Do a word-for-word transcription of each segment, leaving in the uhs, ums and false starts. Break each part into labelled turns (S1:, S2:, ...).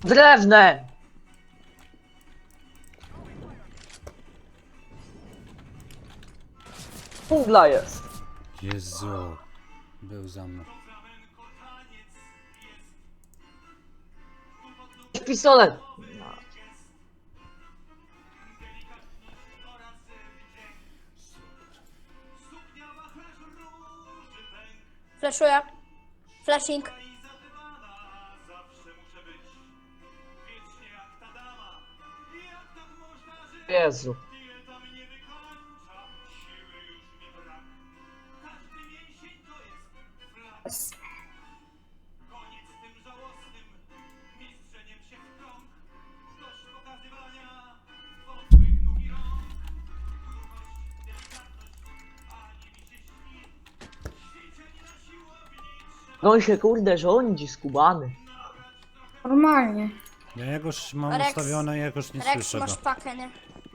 S1: Drewnem! Dżungla jest.
S2: Jezu. Był za mną.
S1: Pistolet.
S3: Flashuję. Flashing.
S1: Jezu. No i się kurde rządzi skubany.
S4: Normalnie.
S2: Ja jakoś mam
S3: Rex-
S2: ustawione, jakoś nie
S3: Rex,
S2: słyszę go.
S3: masz pakę, nie?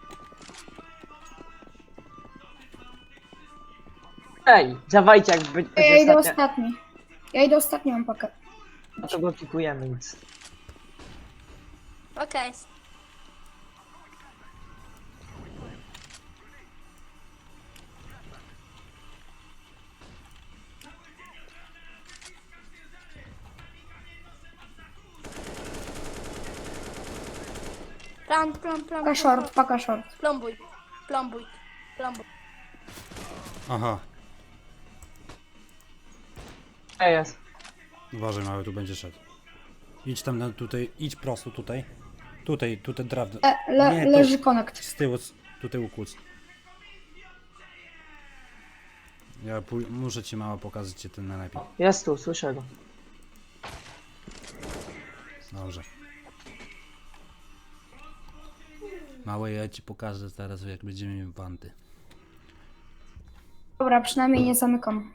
S1: Ej, dawajcie jak będzie
S4: Ja idę
S1: ostatnia.
S4: ostatni. Ja idę ostatni, mam pakę.
S1: No to go pikujemy nic.
S3: Okej. Plan, plan, plan.
S4: Paka short, paka short.
S3: Plombuj. Plombuj. Plombuj.
S2: Aha.
S1: Ej, jest.
S2: Uważaj, mały, tu będzie szedł. Idź tam na tutaj, idź prosto tutaj. Tutaj, tutaj drewno.
S4: Le, le,
S2: Nie, to-
S4: leży konekt.
S2: Z tyłu, z- tutaj ukłuc. Ja pój- muszę ci mało pokazać ci ten najlepiej.
S1: Jest tu, słyszę go.
S2: Dobrze. Małe, ja ci pokażę teraz, jak będziemy mieli wanty.
S4: Dobra, przynajmniej nie zamykam.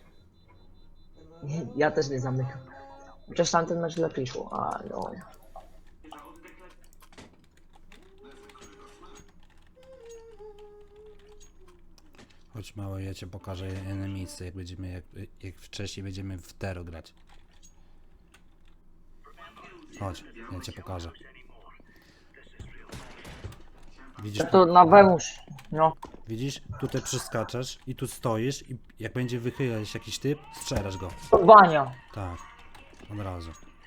S1: Ja też nie zamykam. Chociaż tamten mecz lepiej szło, a no.
S2: Chodź małe, ja ci pokażę inne miejsce, jak będziemy, jak, jak wcześniej będziemy w Tero grać. Chodź, ja cię pokażę. Widzisz,
S1: Ja to na Wemusz. No.
S2: widzisz? Tutaj przeskaczesz i tu stoisz i jak będzie wychylać jakiś typ, strzelasz go.
S1: Bania.
S2: Tak, od razu.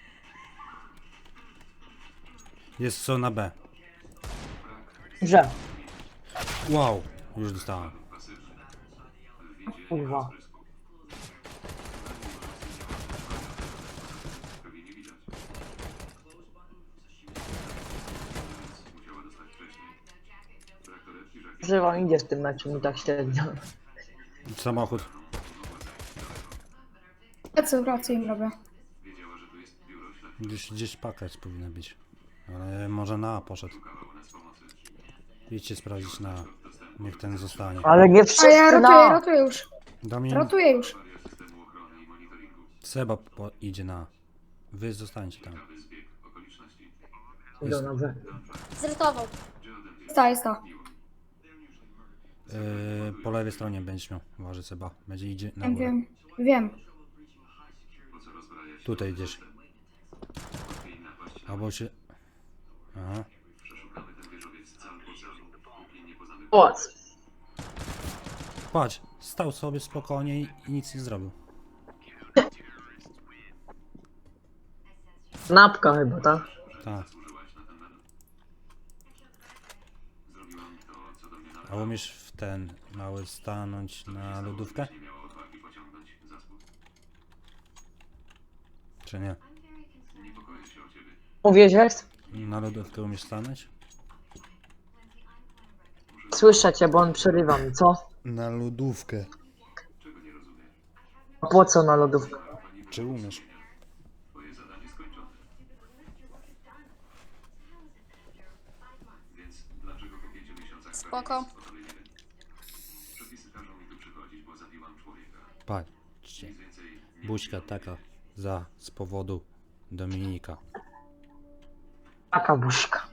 S2: Jest co na B.
S1: Że.
S2: Wow, już dostałem.
S1: Kurwa. Że wam idzie w tym meczu, mi tak średnio.
S2: Samochód.
S4: Ja co wracaj im robię.
S2: Gdzieś, gdzieś pakać powinna być. Ale może na A poszedł. Idźcie sprawdzić na A. Niech ten zostanie.
S1: Ale nie
S4: A ja
S1: wszyscy
S4: rotuję,
S1: na...
S4: rotuję już.
S2: Domin,
S4: Rotuję już.
S2: Seba po, idzie na A. Wy zostańcie tam.
S1: Idą na B.
S3: Zrytował.
S4: Sta, jest ta.
S2: Yy, po lewej stronie będziesz miał. Uważaj Seba. Będzie idzie na
S4: Wiem,
S2: górę.
S4: wiem. Wiem.
S2: Tutaj idziesz. Albo się... Aha.
S1: Pałac.
S2: Patrz, stał sobie spokojnie i i nic nie zrobił.
S1: Napka chyba, tak?
S2: Tak. A umiesz w ten mały stanąć na lodówkę? Czy nie?
S1: Mówię, że jest?
S2: Na lodówkę umiesz stanąć?
S1: Słyszę cię, bo on przerywa mi, co?
S2: Na lodówkę.
S1: A po co na lodówkę?
S2: Czy umiesz?
S3: Spoko.
S2: Patrzcie. Buźka taka za z powodu Dominika.
S1: Taka buźka.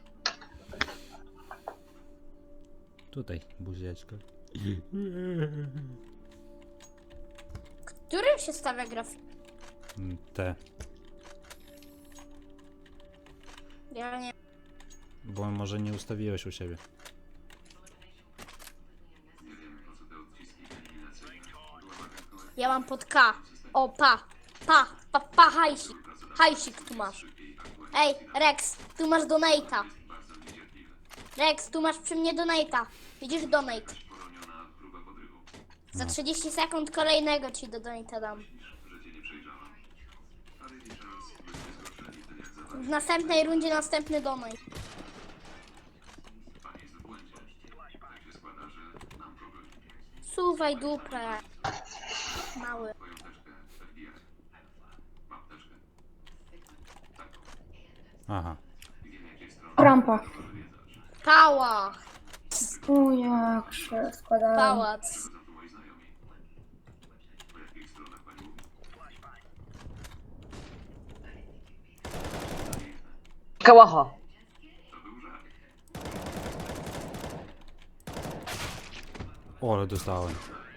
S2: Tutaj buzieczka.
S3: Którym się stawia grafik?
S2: Te.
S3: Ja nie.
S2: Bo może nie ustawiłeś u siebie.
S3: Ja mam pod K. O, pa. Pa, pa, pa, hajsik. Hajsik tu masz. Ej, Rex, tu masz donate'a. Rex, tu masz przy mnie donate'a. Widzisz donate. Za trzydzieści sekund kolejnego ci do donate'a dam. W następnej rundzie następny donate. Suwaj dupę. Mały.
S2: Aha.
S4: Rampa.
S3: Pała.
S4: O, jak się składają.
S3: Pałac.
S1: Kałacha.
S2: O, ale dostałem.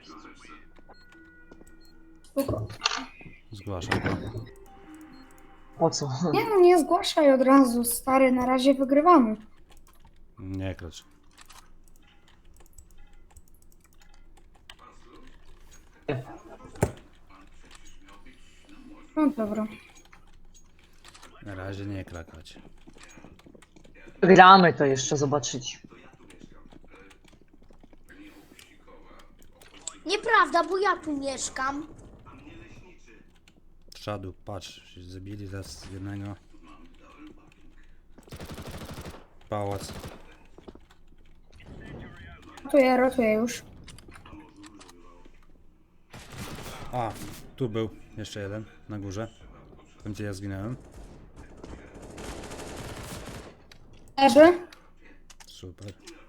S4: Spoko.
S2: Zgłaszam go.
S1: Po co?
S4: Nie no, nie zgłaszaj od razu, stary, na razie wygrywamy.
S2: Nie klacz.
S4: No dobra.
S2: Na razie nie krakać.
S1: Gramy to jeszcze zobaczyć.
S3: Nieprawda, bo ja tu mieszkam.
S2: Trzadu, patrz, się zabili zaraz jednego. Pałac.
S4: Rotuję, rotuję już.
S2: A, tu był jeszcze jeden, na górze. Tam gdzie ja zginąłem.
S4: Leży.
S2: Super.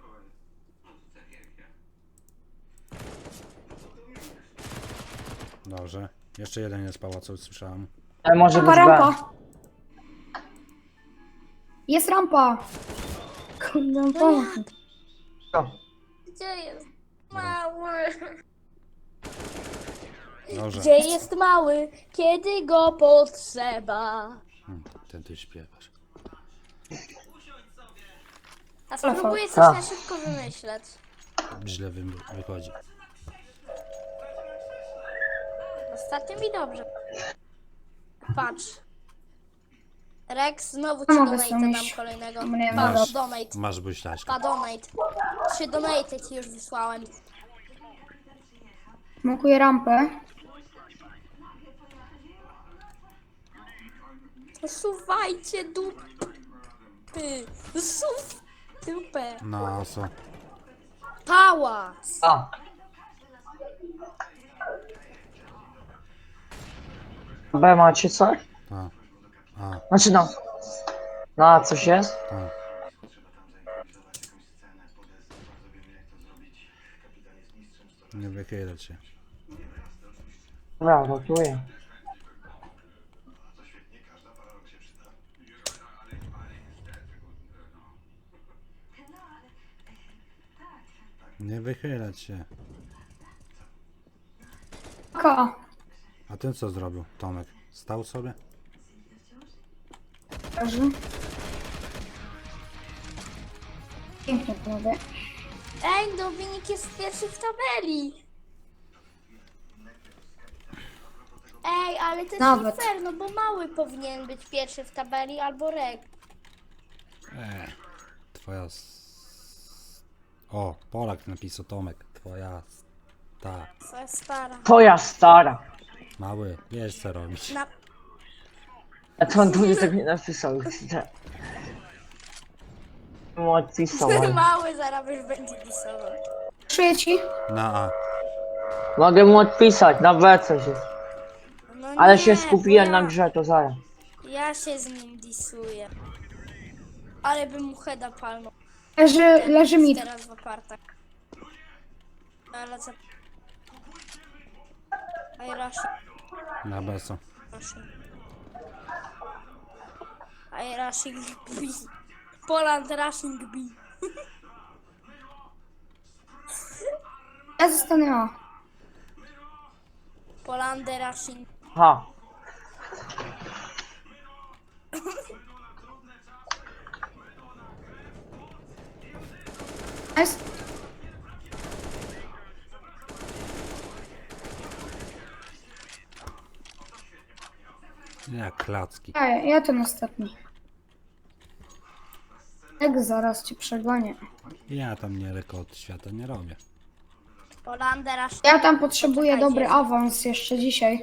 S2: Dobrze. Jeszcze jeden jest pałacu, słyszałem.
S1: Ale może być
S4: Rampa,
S1: B.
S4: rampa. Jest rampa. Kurde, pomóż mi.
S1: Co?
S3: Gdzie jest mały?
S2: Dobrze.
S3: Gdzie jest mały, kiedy go potrzeba?
S2: Hmm, ten ty śpiewasz.
S3: A spróbuję coś
S1: A.
S3: na szybko wymyśleć.
S2: Źle wy wychodzi.
S3: Ostatnio mi dobrze. Patrz. Rex, znowu ci
S4: No, mogę
S3: donate
S4: sam
S3: dam
S4: iść.
S3: kolejnego.
S4: Mnie
S3: Patrz,
S2: masz.
S3: donate.
S2: Masz buźlaśka.
S3: Pa, donate. Trzy donate ci już wysłałem.
S4: Smokuję rampę.
S3: Suwajcie dupy. Suw dupę.
S2: No co?
S3: Pałac.
S1: A. B macie coś?
S2: A. A,
S1: Znaczy no. No, coś jest?
S2: a. Nie wychylać się.
S1: Dobra, rotuję.
S2: Nie wychylać się.
S4: K.
S2: A ten co zrobił, Tomek? Stał sobie?
S4: Leży. Pięknie, panowie.
S3: Ej, Dominik jest pierwszy w tabeli. Ej, ale to jest
S4: Nawet.
S3: nie fair, no bo mały powinien być pierwszy w tabeli albo Rek.
S2: Eee, twoja... s- O, Polak napisał Tomek. Twoja... Ta.
S3: To jest stara.
S1: Twoja stara.
S2: Mały, wiesz co robić.
S3: Na...
S1: A to on tu nie tak nie napisał. Mu odpisał. ale-
S3: Mały zaraz już będzie pisował.
S4: Szyję ci.
S2: Na A.
S1: Mogę mu odpisać, na B coś jest.
S3: No
S1: Ale
S3: nie,
S1: się skupiłem
S3: bo
S1: na
S3: ja,
S1: grze, to zaraz.
S3: ja się z nim disuję. Ale bym mu heada palnął.
S4: Leży, leży mid.
S3: Teraz w apartach. Ale co? Aj, Rushing.
S2: Na B co?
S3: Rushing. Aj, Rushing B. Poland Rushing B.
S4: Ja zostanę A.
S3: Poland Rushing.
S1: Ha.
S4: Nice.
S2: Jak klacki.
S4: A, ja, ja ten ostatni. Jak zaraz cię przegonię.
S2: Ja tam nie rekord świata nie robię.
S3: Polander aż...
S4: Ja tam potrzebuję
S3: Poczekajcie.
S4: dobry awans jeszcze dzisiaj.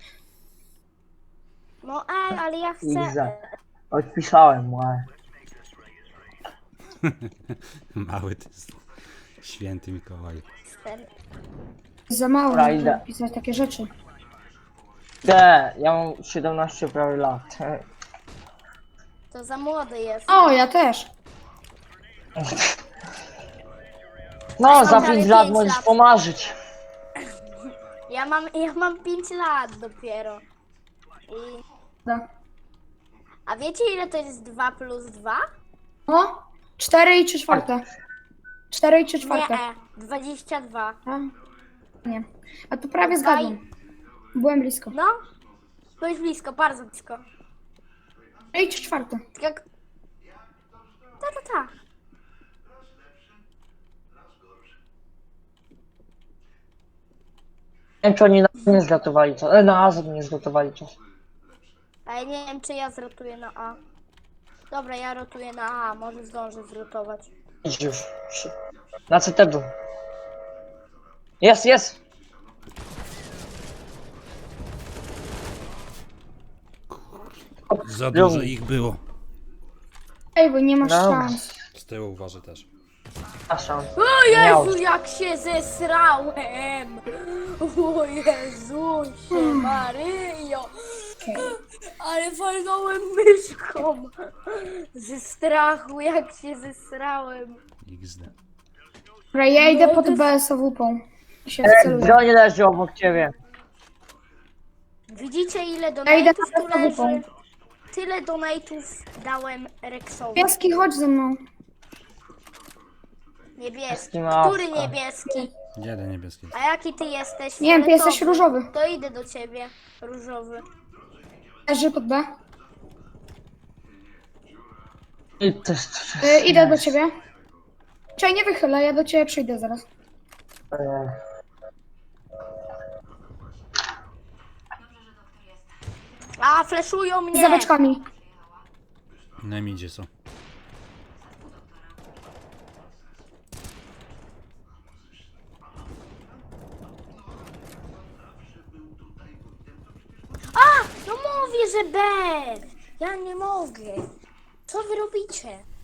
S3: No ej, ale ja chcę...
S1: Iza. Odpisałem mu, ale...
S2: Mały ty jest. Święty Mikołaj.
S3: Cztery.
S4: Za mało,
S1: Dobra,
S4: żeby
S1: idę.
S4: pisać takie rzeczy.
S1: Nie, ja mam siedemnaście prawie lat.
S3: To za młody jest.
S4: O, ja też.
S1: No, za
S3: prawie
S1: pięć lat
S3: pięć
S1: możesz
S3: lat.
S1: pomarzyć.
S3: Ja mam, ja mam pięć lat dopiero. I...
S4: Da.
S3: A wiecie ile to jest dwa plus dwa?
S4: O, cztery i trzy czwarte. cztery i trzy czwarte.
S3: Nie, dwadzieścia dwa.
S4: A, nie. A tu prawie
S3: Dwa
S4: zgadłem. Byłem blisko.
S3: No, byłeś blisko, bardzo blisko.
S4: cztery i trzy czwarte.
S3: Tak jak... Ta, ta, ta.
S1: Nie wiem, czy oni na nie zlatowali czas. E, na Azor nie zlatowali czas.
S3: A ja nie wiem, czy ja zrotuję na A. Dobra, ja rotuję na A, może zdążę zrotować.
S1: Idź już. Na C T był. Jest, jest!
S2: Za dużo ich było.
S4: Ej, bo nie masz
S1: Dobra.
S4: szans.
S2: Z tyłu uważaj też.
S1: Przepraszam.
S3: O
S1: Miał.
S3: Jezu, jak się zesrałem! O Jezusie Maryjo!
S4: Okej.
S3: Ale walnąłem myszką! Ze strachu, jak się zesrałem.
S2: iks de.
S4: Dobra, ja idę
S3: No
S4: pod
S3: to jest-
S4: B S ową. Się
S1: E,
S4: wceluję.
S1: broń leży obok ciebie.
S3: Widzicie ile
S4: Ja idę
S3: donate'ów
S4: na
S3: tu
S4: podstawową.
S3: leży? Tyle donate'ów dałem Rexowi.
S4: Pieski, chodź ze mną.
S3: Niebieski.
S1: Małpka.
S3: Który niebieski?
S2: Jeden niebieski.
S3: A jaki ty jesteś?
S4: Nie wiem, ty jesteś
S3: Fioletowy.
S4: różowy.
S3: To idę do ciebie. Różowy.
S4: Leży pod B.
S1: I też...
S4: Y, idę do ciebie. Czekaj, nie wychylę, ja do ciebie przyjdę zaraz.
S1: E,
S3: A, fleszują mnie!
S4: Za beczkami.
S2: Na midzie są.
S3: A! No mówię, że B! Ja nie mogę. Co wy robicie?